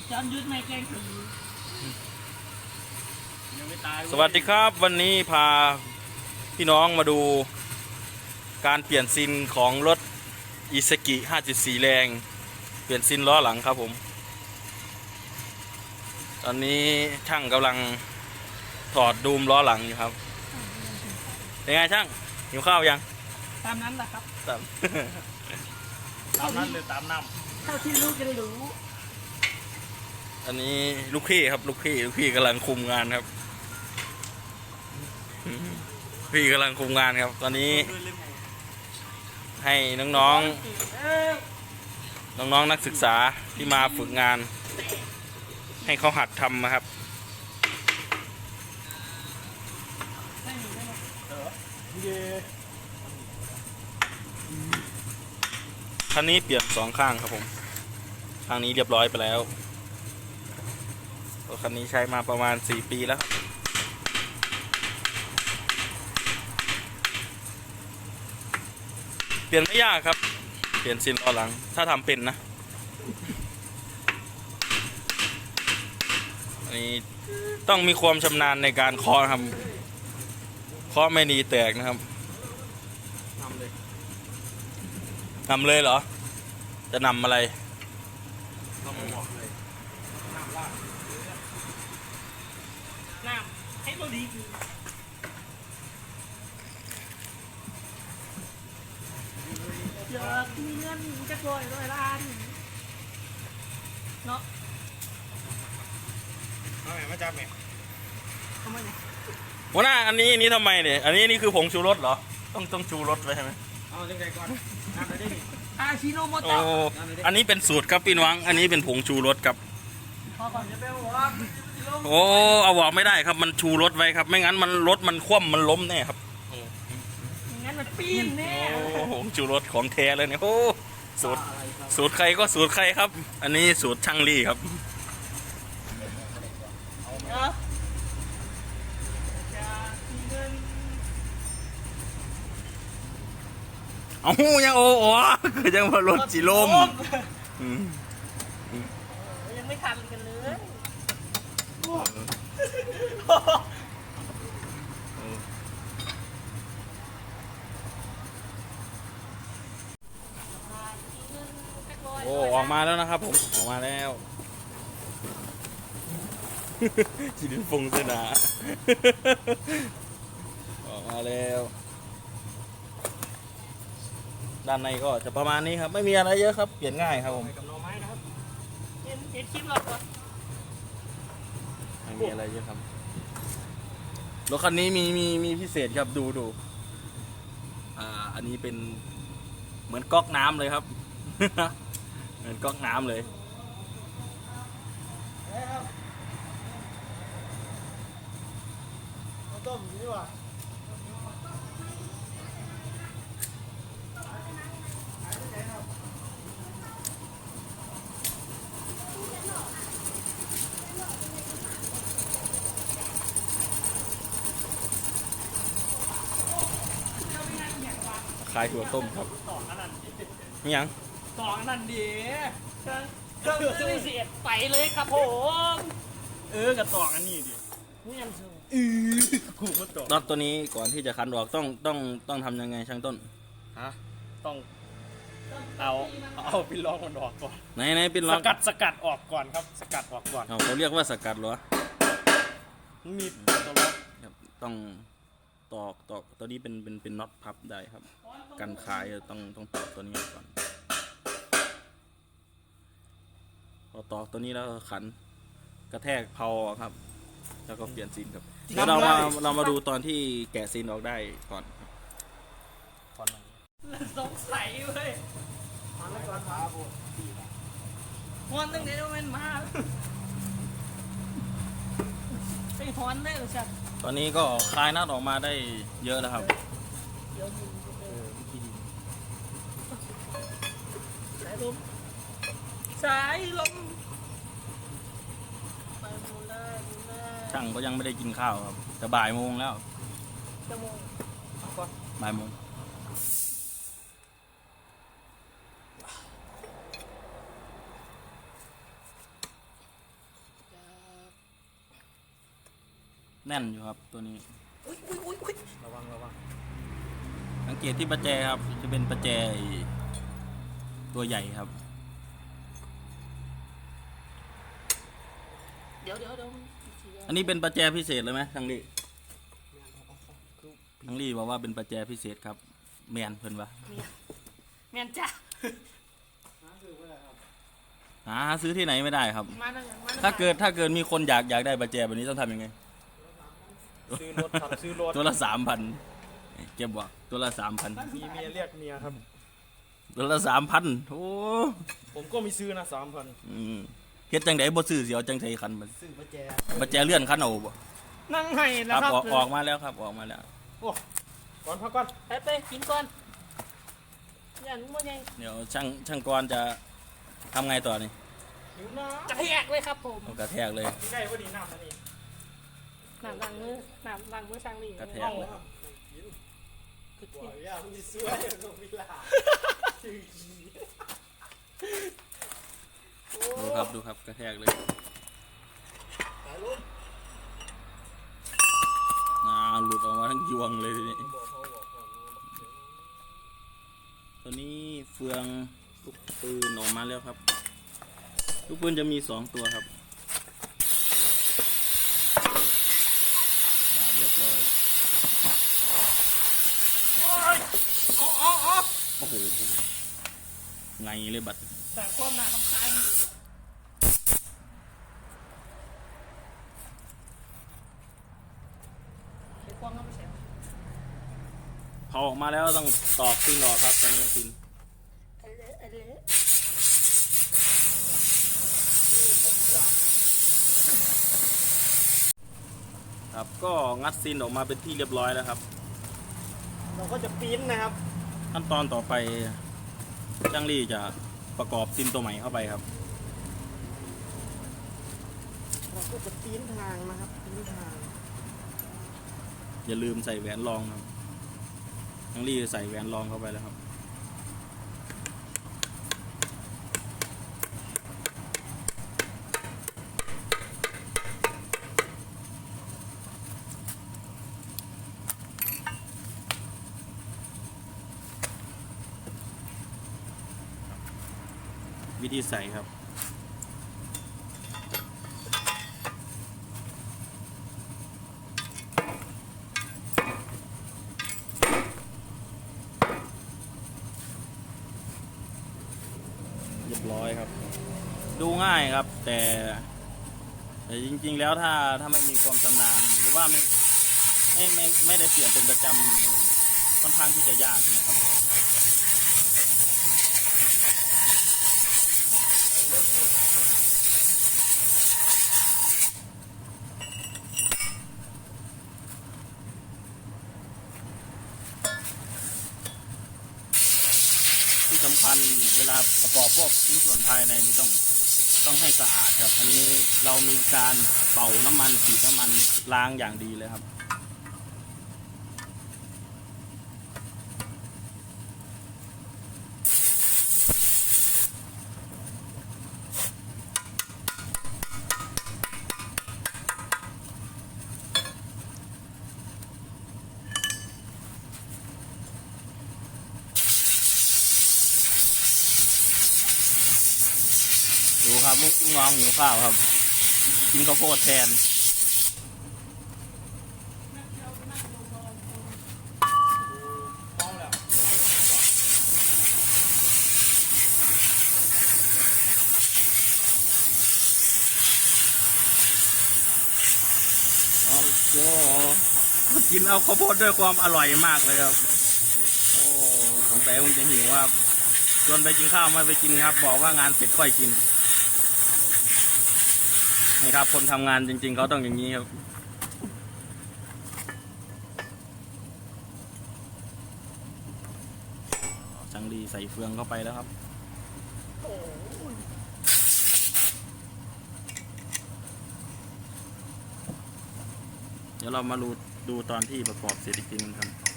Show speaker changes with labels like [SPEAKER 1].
[SPEAKER 1] จอนยุทธไม่แกล้งผี
[SPEAKER 2] สวัสดีครับวันนี้พาพี่น้องมาดูการเปลี่ยนซินของรถอิซากิ 5.4 แรงเปลี่ยนซินล้อหลังครับผมตอนนี้ช่างกำลังถอดดูมล้อหลังอยู่ครับเป็นไงช่างหิวข้าวยัง
[SPEAKER 1] ตามนั้นแหละครับ
[SPEAKER 2] ตาม
[SPEAKER 3] ตามนั้นหรือตามน้
[SPEAKER 1] เท่าที่ลูกจะรู้
[SPEAKER 2] อันนี้ลูกพี่ครับลูกพี่กำลังคุมงานครับพี่กำลังคุมงานครับตอนนี้ให้น้องๆนักศึกษาที่มาฝึกงานให้เขาหัดทำนะครับคันนี้เปลี่ยน2 ข้างครับผมข้างนี้เรียบร้อยไปแล้วรถคันนี้ใช้มาประมาณ4 ปีแล้วเปลี่ยนไม่ยากครับเปลี่ยนซินล้อหลังถ้าทำเป็นนะอันนี้ต้องมีความชำนาญในการเคาะครับเคาะไม่ดีแตกนะครับ
[SPEAKER 3] ำเลย
[SPEAKER 2] นำเลยเหรอจะนำอะไร
[SPEAKER 3] ต้องมาบอกเลยน้ำลาด
[SPEAKER 1] น้ำให้ตัวดีคืออยากมีเงินจะ100 ล้านเนาะ
[SPEAKER 3] เอาไหนมาจับเนี่ย
[SPEAKER 1] ทำไมเนี่ย
[SPEAKER 2] หัวหน้าอันนี้ทำไมเนี่ยอันนี้คือผงชูรสเหรอต้องชูรสไว้ใช่ไหม
[SPEAKER 3] เอาจังไงก่อนน้ำไปได้ดิ
[SPEAKER 1] อาชิโนโม
[SPEAKER 2] โอ้
[SPEAKER 1] โตะ
[SPEAKER 2] อันนี้เป็นสูตรครับพี่น้องอันนี้เป็นผงชูรสครับ
[SPEAKER 1] พอก่อนจะไปหัว
[SPEAKER 2] โอ้เอาบอกไม่ได้ครับมันชูรสไว้ครับไม่งั้นมันรถมันคว่ำมันล้มแน่ครับ
[SPEAKER 1] งั้นมันปีนแน่
[SPEAKER 2] โอ้ผงชูรสของแท้เลยเนี่ยโอ้สูตรใครก็สูตรใครครับ อันนี้สูตรช่างลี่ครับ
[SPEAKER 1] เนาะอยากมีเงิน
[SPEAKER 2] เอายังโอ้คือยังมารถจิลมอืม
[SPEAKER 1] ยังไม่ทันกันเลย
[SPEAKER 2] โอ้ออกมาแล้วนะครับผมออกมาแล้วจิลินฟงเสนาออกมาแล้วด้านในก็จะประมาณนี้ครับไม่มีอะไรเยอะครับเปลี่ยนง่ายครับผม
[SPEAKER 3] ไปกับหน่อไม้นะครับ
[SPEAKER 1] เห็นคลิปเราก่อน
[SPEAKER 2] ไม่มีอะไรเยอะครับรถคันนี้มีพิเศษครับดูอันนี้เป็นเหมือนก๊อกน้ำเลยครับ เหมือนก๊อกน้ำเลยขายถั่วต้มครับ
[SPEAKER 3] ต่อขนาดนี้
[SPEAKER 2] นี่ยัง
[SPEAKER 1] สองนั่นดีเครื่องเสียดไปเลยครับผม
[SPEAKER 3] กับต่อกันนี่ดิ
[SPEAKER 1] นี่ยังสูง
[SPEAKER 3] กูก็ต่อ
[SPEAKER 2] น็อตตัวนี้ก่อนที่จะคันออกต้องทำยังไงช่างต้น
[SPEAKER 3] ฮะต้องเอาปินลองมันออกก่อน
[SPEAKER 2] ไหนเป็น
[SPEAKER 3] ส
[SPEAKER 2] ล็อก
[SPEAKER 3] กัดออกก่อนครับสกัดออกก่อน
[SPEAKER 2] เขาเรียกว่าสกัดเหรอ
[SPEAKER 3] มีตัวล็อก
[SPEAKER 2] ครับต้องตอกตัวนี้เป็นน็อตพับได้ครับกันคายต้องตอกตัวนี้ก่อนพอตอกตัวนี้แล้วขันกระแทกเพาครับ แล้วก็เปลี่ยนซีนครับเดี๋ยวเรามาดูตอนที่แกะซีนออกได้ก่อนครับ
[SPEAKER 3] ก่อน
[SPEAKER 1] สงสัยเว้ยฮอนตั้งแต่โมเมนต์มาไปฮอนได้หรือชัด
[SPEAKER 2] ตอนนี้ก็คลายน็อตออกมาได้เยอะแล้วครับ
[SPEAKER 1] สายลมสายลมไปมูลเลย
[SPEAKER 2] ช่างก็ยังไม่ได้กินข้าวครับแต่บ่ายโมงแล้ว
[SPEAKER 1] จะโมง
[SPEAKER 2] บ่ายโมงแน่นอยู่ครับตัวนี้
[SPEAKER 1] อุ้ย
[SPEAKER 3] ระวัง
[SPEAKER 2] สังเกตที่ประแจครับจะเป็นประแจตัวใหญ่ครับ
[SPEAKER 1] เดี๋ยว
[SPEAKER 2] อันนี้เป็นประแจพิเศษเลยไหมทังลี่ทังลี่บอกว่าเป็นประแจพิเศษครับแมนเพิ่นวะ
[SPEAKER 1] แม่นจ้ะ
[SPEAKER 2] หาซื้อที่ไหนไม่ได้ครับ
[SPEAKER 1] มานั่ง
[SPEAKER 2] ถ้าเกิดมีคนอยากได้ประแจแบบนี้ต้องทำยังไง
[SPEAKER 3] ซื้อรถครับซื้อรถ
[SPEAKER 2] ตัวละ3,000เก็บบ่ตัวละ3,000
[SPEAKER 3] มีเมียเรียกเมียครับ
[SPEAKER 2] ตัวละ3,000โอ้
[SPEAKER 3] ผมก็มีซื้อนะ3,000
[SPEAKER 2] เฮ็ดจังไดบ่ซื้อสิเอาจังไสคันมัน
[SPEAKER 3] ซื้อประแจ
[SPEAKER 2] ประแจเลื่อนคันเอาบ่
[SPEAKER 1] นั่งให้
[SPEAKER 2] ค
[SPEAKER 1] แล้ว
[SPEAKER 2] รับ
[SPEAKER 1] ครับ
[SPEAKER 2] ออกมาแล้วครับออกมาแล้ว
[SPEAKER 3] โอ้ก่อนพักก่อน
[SPEAKER 1] ไปกินก่อนอย่านุ่มมันยัง
[SPEAKER 2] เดี๋ยวช่างกรจะทำไงต่อนี่
[SPEAKER 3] หิวน้
[SPEAKER 1] กระแทกเลยครับผม
[SPEAKER 2] เอากระแทกเลย
[SPEAKER 3] ำได้พอดีน้ำนะนี่
[SPEAKER 1] น้ำล้างมือช่างนี่
[SPEAKER 2] กระแทกเลย
[SPEAKER 3] บ่อยย่ามีสวยลงวิลา
[SPEAKER 2] ดูครับกระแทกเลยหลุดออกมาทั้งยวงเลยทีนี้ตัวนี้เฟืองลูกปืนออกมาแล้วครับลูกปืนจะมี2ตัวครับเรียบร้อยโอ้โหไงเลยบัด
[SPEAKER 1] แต่ความหนาคำคายไอ้ความก็ไม่ใช่
[SPEAKER 2] พอออกมาแล้วต้องตอกซินออกครับตอนนี้ซิน
[SPEAKER 1] ไอ้เละ
[SPEAKER 2] ครับก็งัดซินออกมาเป็นที่เรียบร้อยแล้วครับ
[SPEAKER 3] เราก็จะปิ้นนะครับ
[SPEAKER 2] ขั้นตอนต่อไปช่างลี่จะประกอบซินตัวใหม่เข้าไปครับ
[SPEAKER 3] เราก็จะปิ้นทางนะครับปิ้นทาง
[SPEAKER 2] อย่าลืมใส่แหวนรองครับช่างลี่ใส่แหวนรองเข้าไปแล้วครับวิธีใส่ครับเรียบร้อยครับ ดูง่ายครับ แต่จริงๆแล้วถ้าไม่มีความชำนาญหรือว่าไม่ได้เปลี่ยนเป็นประจำค่อนข้างที่จะยากนะครับที่สำคัญเวลาประกอบพวกชิ้นส่วนภายในนี่ต้องให้สะอาดครับ อันนี้เรามีการเป่าน้ำมันฉีดน้ำมันล้างอย่างดีเลยครับดูครับลูกน้องหิวข้าวครับกินข้าวโพดแทนโอ้โหกินเอาข้าวโพดด้วยความอร่อยมากเลยครับโอ้สงสัยคงจะหิวครับชวนไปกินข้าวไม่ไปกินครับบอกว่างานเสร็จค่อยกินนี่ครับคนทำงานจริงๆเขาต้องอย่างนี้ครับช่างดีใส่เฟืองเข้าไปแล้วครับเดี๋ยวเรามาดูตอนที่ประกอบเสร็จอีกทีนึงครับ